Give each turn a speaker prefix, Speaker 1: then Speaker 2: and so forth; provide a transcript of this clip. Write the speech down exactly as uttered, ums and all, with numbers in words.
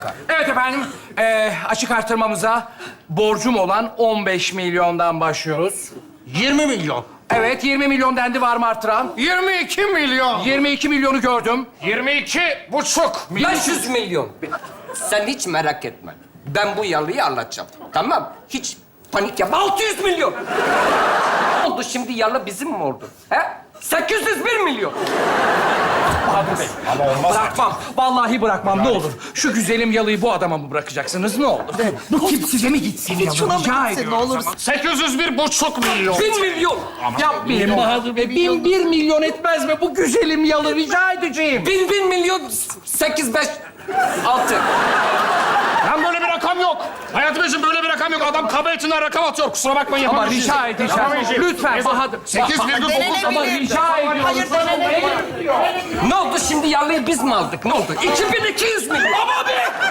Speaker 1: Evet efendim, eee, açık artırmamıza borcum olan on beş milyondan başlıyoruz.
Speaker 2: yirmi milyon.
Speaker 1: Evet, yirmi milyon dendi, var mı artıran?
Speaker 2: yirmi iki milyon.
Speaker 1: yirmi iki milyonu gördüm.
Speaker 2: yirmi iki buçuk.
Speaker 3: beş yüz milyon. Sen hiç merak etme. Ben bu yalıyı anlatacağım. Tamam. Hiç panik yapma. altı yüz milyon. Ne oldu şimdi, yalı bizim mi oldu? He? sekiz yüz bir milyon.
Speaker 1: Bahadır Bey. Bırakmam. Vallahi bırakmam. Ne olur. Şu güzelim yalıyı bu adama mı bırakacaksınız? Ne olur. Bu tip size mi gitsin yalı?
Speaker 4: Şuna mı
Speaker 1: Rica
Speaker 4: gitsin,
Speaker 1: ediyorum.
Speaker 4: ne olur?
Speaker 2: sekiz yüz bir buçuk milyon.
Speaker 3: bin milyon.
Speaker 1: Yapmayın Bahadır Bey. Bin bir milyon etmez mi bu güzelim yalı? Rica edeceğim.
Speaker 3: Bin bin milyon. Sekiz beş altı.
Speaker 2: Lan böyle bir rakam yok. Hayatım için böyle bir rakam yok. Adam kaba etinden rakam atıyor. Kusura bakmayın
Speaker 1: Ama
Speaker 2: yapamayacağız.
Speaker 1: rica edeceğim.
Speaker 2: Yapamayacağım.
Speaker 1: Lütfen Bahadır.
Speaker 2: sekiz virgül dokuz.
Speaker 1: Ama rica ediyorum.
Speaker 4: Hayır, denenebilir.
Speaker 3: Ne oldu şimdi, yalıyı biz mi aldık? Ne oldu? iki bin iki yüz milyon.
Speaker 1: Ama be!